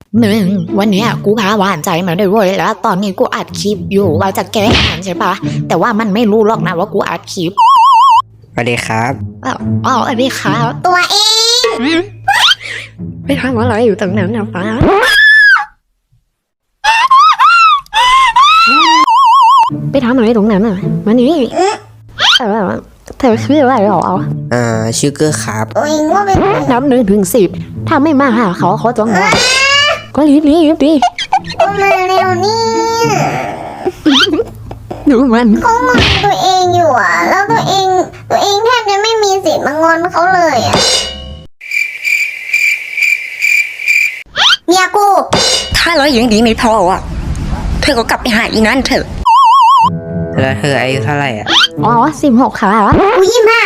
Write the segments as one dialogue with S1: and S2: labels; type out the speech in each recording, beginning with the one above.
S1: มึงวันเนี้ยกูพาหวานใจมาด้วยเว้ยแล้วตอนนี้กูอัดคลิปอยู่ว่าจะแก้งานใช่ปะแต่ว่ามันไม่รู้หรอกนะว่ากูอัดคลิป
S2: สวัสดีครับ
S1: อ๋ออันนี้ครับ
S3: ตัวเอง
S1: ไปทำอะไรอยู่ตรงนั้นนะฟ้าไปทำอะไรตรงนั้นอ่ะมานี่เธอคืออะไรหรอ
S2: ชื่อเกอร์ครับ
S3: ตัวเองว่าเป็น
S1: นับ1 ถึง 10ถ้าไม่มาหาเขาจะงอนก็รีบดิ
S3: ตัวมาเร็วนี่
S1: ดูมัน
S3: เขางอนตัวเองอยู่อ่ะแล้วตัวเองแทบจะไม่มีสิทธิ์มางอนเขาเลยอ่ะเมียกู
S4: ถ้าเรายังดีไม่พออ่ะเธอก็กลับไปหาอีนั่นเถอะ
S2: แล้วเธออายุเท่าไหร่อ่ะ
S1: อ๋อ16ค่ะ
S3: กู25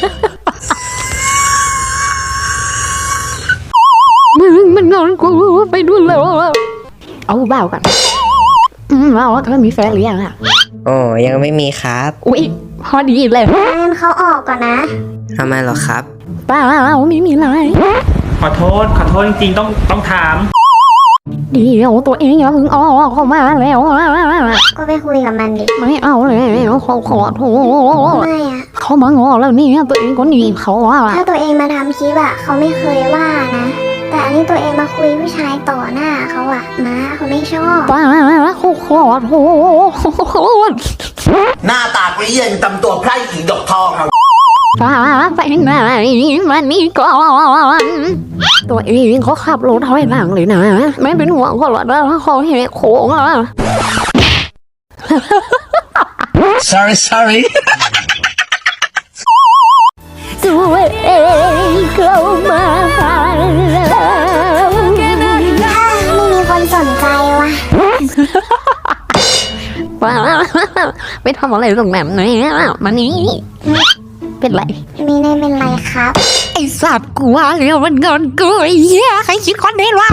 S1: มันงอนกูไปดูแล้วเอาเบากันว่าเธอมีแฟนหรือยังอ่ะ
S2: โอ้ยังไม่มีครับ
S1: อุ๊ยพอดีเลย
S3: งั้นเขาออกก่อนนะ
S2: ทำไมเหรอครับ
S1: เปล่าไม่มีอะไร
S5: ขอโทษจริงๆต้องถาม
S1: เดี๋ยวตัวเองอย่าเพิ่งเข้ามาแล้ว
S3: ก็ไปคุยกับมันดิ
S1: ไม่เอาแล้วขอโทษ
S3: ไม่อ่ะ
S1: เขามางอแล้วนี่ตัวเองก็หนีเขาว่า
S3: ถ้าตัวเองมาทำคลิปอ่ะเขาไม่เคยว่านะแต่อันนี้ตัวเองมาคุยผู้ชายต่อหน้าเขาอ่ะนะเขาไม่ชอบ
S1: ป้าขอโทษ
S6: หน้าตาเปรี้ยงตำตัวไพร่หญิงดอกทองครับ
S1: ป้าไปไหนมานี่ก่อนตัวเองเขาขับรถถอยหลังเลยนะไม่เป็นห่วงเขาหรอกนะเขาแหกโค้งอ่ะ
S6: sorry
S1: ตัวเองเข้ามาแล้ว
S3: ไม่มีคนสนใจว่ะ
S1: ป้าไปทำอะไรตรงนั้นเนี่ยมานี่เป็นไร
S3: ไม่ได้เป็นไรครับ
S1: ไอ้สัตว์กูว่าแล้วมันงอนกูไอ้เหี้ยใครคิดคอนเทนต์วะ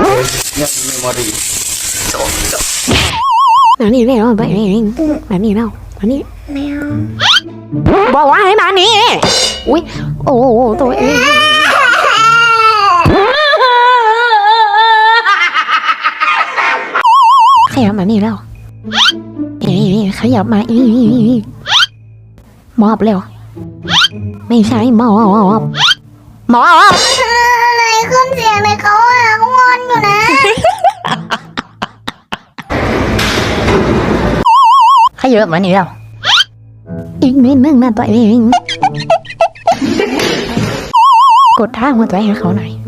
S1: มานี่แล้วไปเองมานี่แล้วมานี่
S3: ไม่เอา
S1: บอกว่าให้มานี่อุ้ยโอ้ตัวเองขยับมานี่แล้วขยับมาอีมอบเร็วไม่ใช่มอบ
S3: อะไรขึ้นเสียงเลยเขาอ่ะเขางอนอยู่นะ
S1: ขยับมานี่แล้วอีกนิดนึงนะตัวเองกดท่าหัวใจให้เขาหน่อย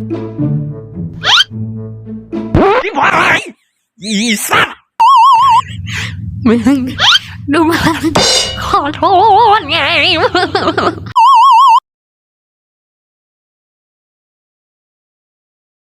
S4: อีสัตว์
S1: มึงดูมันขอโทษไง